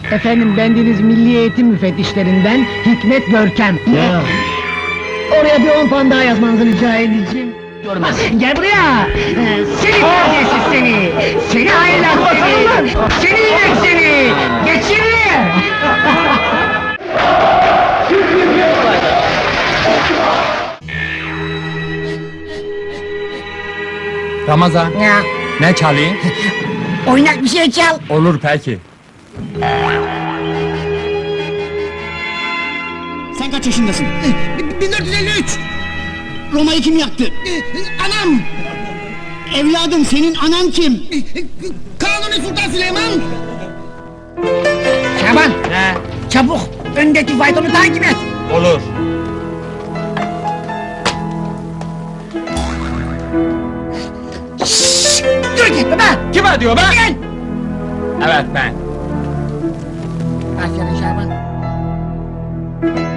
Efendim, bendeniz Milli Eğitim Müfettişlerinden Hikmet Görkem. Ya. Oraya bir 10 puan daha yazmanızı rica edeceğim. Görmez. Gel buraya! Seni neredeyse seni! Seni hainler seni! Seni inek seni! Geçin! Ramazan, Ya, ne çalayım? oynak bir şey çal! Olur peki. Sen kaç yaşındasın? 1453! Roma'yı kim yaktı? Anam! Evladım, senin anan kim? Kanuni Sultan Süleyman! Şaban! Ne? Çabuk! Öndeki faytonu takip et! Olur. Dur gitme be! Kime diyor be? Gel! Evet ben. Aferin Şaban!